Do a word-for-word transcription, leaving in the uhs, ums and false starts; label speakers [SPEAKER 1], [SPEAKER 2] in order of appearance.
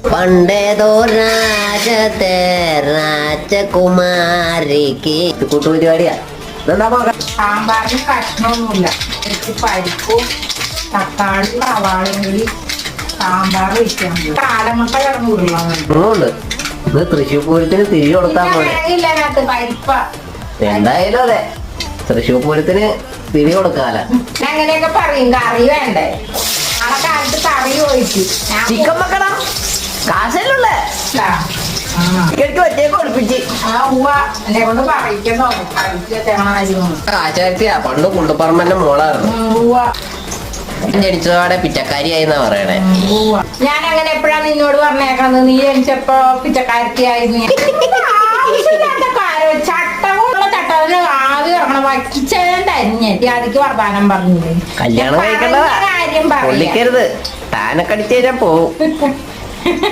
[SPEAKER 1] പണ്ടേതോ രാജത്തെ രാജകുമാരിക്ക് കൂട്ടുപരിപാടിയാ.
[SPEAKER 2] സാമ്പാറിന് കഷ്ണമൊന്നുമില്ല. എനിക്ക് പരിപ്പും തക്കാളി സവാളയും കൂടി സാമ്പാർ വെക്കാൻ കാലമുട്ട കിടന്നു
[SPEAKER 1] ഉണ്ട്. ഇത് തൃശ്ശൂർ പൂരത്തിന് തിരി കൊടുത്താൽ മതി.
[SPEAKER 2] ഇല്ലതിനകത്ത് പരിപ്പ
[SPEAKER 1] എന്തായാലും അതെ, തൃശ്ശൂർ പൂരത്തിന് തിരി കൊടുക്കാല.
[SPEAKER 2] അങ്ങനെയൊക്കെ പറയും. കറി വേണ്ടേ? നാളെ കാലത്ത് കറി ഒഴിച്ചു
[SPEAKER 1] ചിക്കൻ വെക്കടാ, കാശല്ലേ ഒറ്റയ്ക്ക് ഒളിപ്പിച്ച്
[SPEAKER 2] എന്നെ കൊണ്ട് പറയിക്കുന്നോ
[SPEAKER 1] കാശാഴ്ചയാ. പണ്ട് കുണ്ടുപറമ്പന്റെ മോളായിരുന്നു. ജനിച്ചതോടെ പിച്ചക്കാരിയായിന്നാ പറയണേ.
[SPEAKER 2] ഞാൻ അങ്ങനെ എപ്പോഴാ നിന്നോട് പറഞ്ഞേക്കണത്? നീ ജനിച്ചപ്പോ പിച്ചക്കാരത്തിയായിരുന്നു. ചട്ടമുള്ള ചട്ടത്തിന് ആദ്യം ഇറങ്ങണം വക്കിച്ചേൻ തന്നെ അതിക്ക് വർത്താനം പറഞ്ഞില്ലേ?
[SPEAKER 1] കല്യാണം കഴിക്കണ്ട,
[SPEAKER 2] കാര്യം
[SPEAKER 1] പൊള്ളിക്കരുത്. താനൊക്കെ അടിച്ചു തരാൻ പോവും.